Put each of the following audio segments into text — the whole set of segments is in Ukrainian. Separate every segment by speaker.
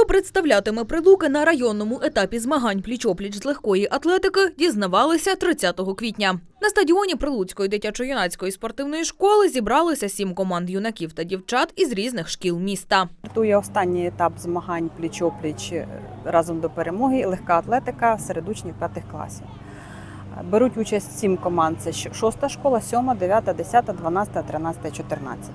Speaker 1: представлятиме Прилуки на районному етапі змагань пліч-опліч з легкої атлетики, дізнавалися 30 квітня. На стадіоні Прилуцької дитячо-юнацької спортивної школи зібралися 7 команд юнаків та дівчат із різних шкіл міста.
Speaker 2: Стартує останній етап змагань пліч-опліч разом до перемоги, легка атлетика серед учнів 5 класів. Беруть участь 7 команд, це 6 школа, 7, 9, 10, 12, 13, 14.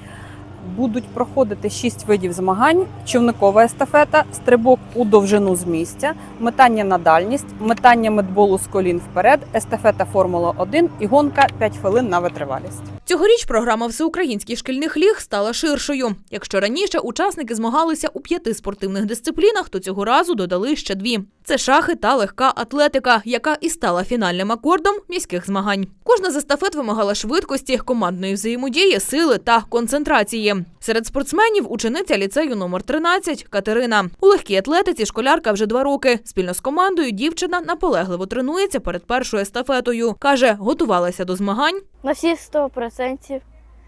Speaker 2: Будуть проходити 6 видів змагань: човникова естафета, стрибок у довжину з місця, метання на дальність, метання медболу з колін вперед, естафета Формула-1 і гонка 5 хвилин на витривалість.
Speaker 1: Цьогоріч програма всеукраїнських шкільних ліг стала ширшою. Якщо раніше учасники змагалися у 5 спортивних дисциплінах, то цього разу додали ще 2. Це шахи та легка атлетика, яка і стала фінальним акордом міських змагань. Кожна з естафет вимагала швидкості, командної взаємодії, сили та концентрації. Серед спортсменів – учениця ліцею номер 13 Катерина. У легкій атлетиці школярка вже 2 роки. Спільно з командою дівчина наполегливо тренується перед першою естафетою. Каже, готувалася до змагань
Speaker 3: на всі 100%.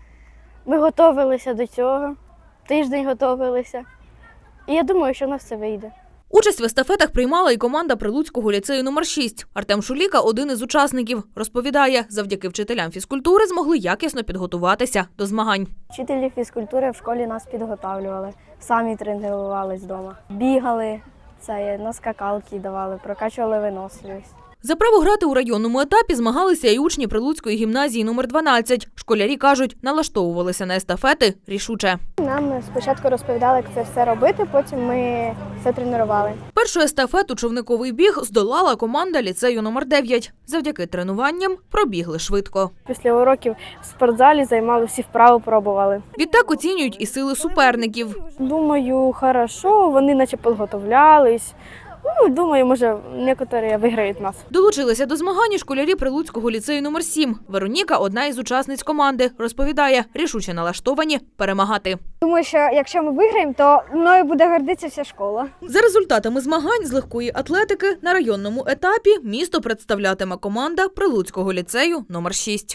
Speaker 3: Ми готувалися до цього, тиждень готувалися. І я думаю, що в нас все вийде.
Speaker 1: Участь в естафетах приймала і команда Прилуцького ліцею номер 6. Артем Шуліка – один із учасників. Розповідає, завдяки вчителям фізкультури змогли якісно підготуватися до змагань.
Speaker 3: Вчителі фізкультури в школі нас підготовлювали, самі тренувалися вдома. Бігали, на скакалки давали, прокачували виносливість.
Speaker 1: За право грати у районному етапі змагалися і учні Прилуцької гімназії номер 12. Школярі кажуть, налаштовувалися на естафети рішуче.
Speaker 3: Нам спочатку розповідали, як це все робити, потім ми все тренували.
Speaker 1: Першу естафету човниковий біг здолала команда ліцею номер 9. Завдяки тренуванням пробігли швидко.
Speaker 3: Після уроків в спортзалі займали всі вправи, пробували.
Speaker 1: Відтак оцінюють і сили суперників.
Speaker 3: Думаю, хорошо, вони наче підготовлялись. Думаю, може, некоторі виграють нас.
Speaker 1: Долучилися до змагань школярі Прилуцького ліцею номер 7. Вероніка – одна із учасниць команди. Розповідає, рішуче налаштовані перемагати.
Speaker 3: Думаю, що якщо ми виграємо, то мною буде гордитися вся школа.
Speaker 1: За результатами змагань з легкої атлетики на районному етапі місто представлятиме команда Прилуцького ліцею номер 6.